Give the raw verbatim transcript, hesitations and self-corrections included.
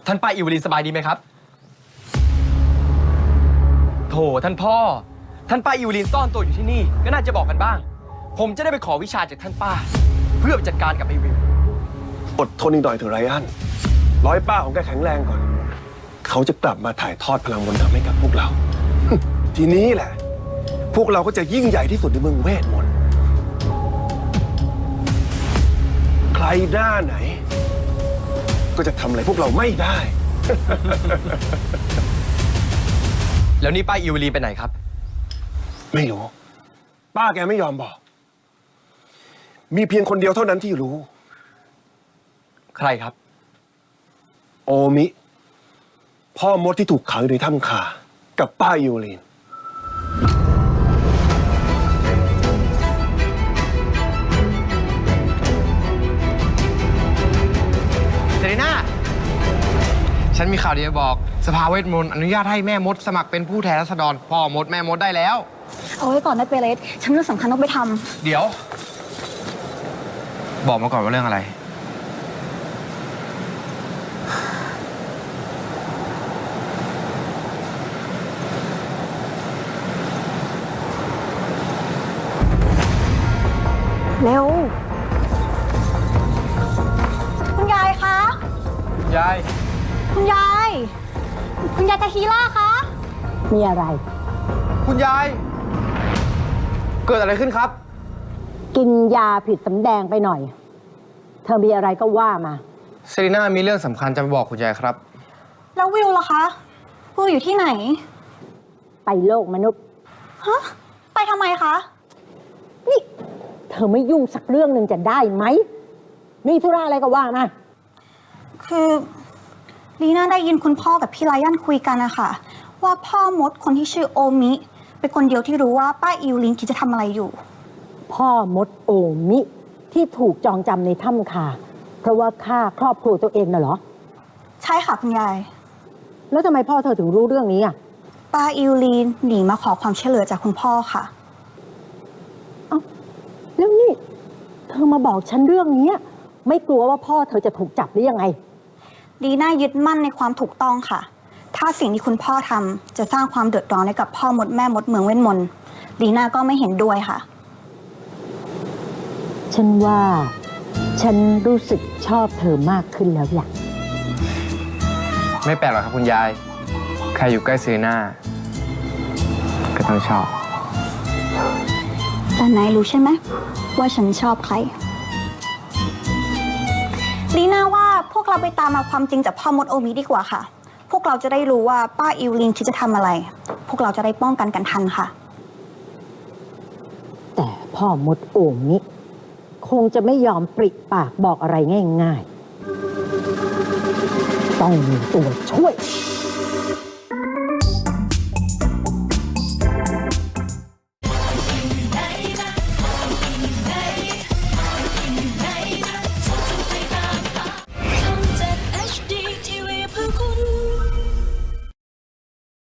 ท่านป้าอิวลินสบายดีไหมครับโถท่านพ่อท่านป้าอิวลินซ่อนตัวอยู่ที่นี่ก็น่าจะบอกกันบ้างผมจะได้ไปขอวิชาจากท่านป้าเพื่อไปจัดการกับไอวิวอดทนอีกหน่อยเถอะไรอันร้อยป้าของแกแข็งแรงก่อนเขาจะกลับมาถ่ายทอดพลังมนต์ดำให้กับพวกเรา ทีนี้แหละพวกเราก็จะยิ่งใหญ่ที่สุดในเมืองเวทมนต์ใครหน้าไหนก็จะทำอะไรพวกเราไม่ได้แล้วนี่ป้าอิวลีไปไหนครับไม่รู้ป้าแกไม่ยอมบอกมีเพียงคนเดียวเท่านั้นที่รู้ใครครับโอมิพ่อมดที่ถูกขังอยู่ในถ้ำคากับป้าอิวลีนเซรีน่าฉันมีข่าวดีจะบอกสภาเวทมนต์อนุญาตให้แม่มดสมัครเป็นผู้แทนราษฎรพ่อมดแม่มดได้แล้วเอาไว้ก่อนนะเปเรสฉันเรื่องสำคัญต้องไปทำเดี๋ยวบอกมาก่อนว่าเรื่องอะไรเร็วคุณยายคะยายคุณยายคุณยายกาฮีล่าคะมีอะไรคุณยายเกิดอะไรขึ้นครับกินยาผิดสำแดงไปหน่อยเธอมีอะไรก็ว่ามาเซรีน่ามีเรื่องสำคัญจะมาบอกคุณยายครับแล้ววิวล่ะคะวิวอยู่ที่ไหนไปโลกมนุษย์ฮะไปทำไมคะนี่เธอไม่ยุ่งสักเรื่องหนึ่งจะได้ไหมมีธุระอะไรก็ว่ามาคือลีน่าได้ยินคุณพ่อกับพี่ไลอ้อนคุยกันนะคะว่าพ่อมดคนที่ชื่อโอมิเป็นคนเดียวที่รู้ว่าป้าอิวลินคิดจะทำอะไรอยู่พ่อมดโอมิที่ถูกจองจำในถ้ำคาเพราะว่าฆ่าครอบครัวตัวเองน่ะเหรอใช่ค่ะคุณยายแล้วทำไมพ่อเธอถึงรู้เรื่องนี้อ่ะป้าอิวลินหนีมาขอความช่วยเหลือจากคุณพ่อค่ะเอ้าแล้วนี่เธอมาบอกฉันเรื่องนี้ไม่กลัวว่าพ่อเธอจะถูกจับหรือยังไงลีน่ายึดมั่นในความถูกต้องค่ะถ้าสิ่งที่คุณพ่อทำจะสร้างความเดือดร้อนให้กับพ่อมดแม่มดเมืองเวทมนต์ลีน่าก็ไม่เห็นด้วยค่ะฉันว่าฉันรู้สึกชอบเธอมากขึ้นแล้วล่ะไม่แปลกหรอกครับคุณยายใครอยู่ใกล้เซรีน่าก็ต้องชอบแต่นายรู้ใช่ไหมว่าฉันชอบใครลีน่าว่าพวกเราไปตามมาความจริงจากพ่อมดโอมิดีกว่าค่ะพวกเราจะได้รู้ว่าป้าอิวลินคิดจะทำอะไรพวกเราจะได้ป้องกันกันทันค่ะแต่พ่อมดโอมิคงจะไม่ยอมปริปากบอกอะไรง่ายๆต้องมีตัวช่วย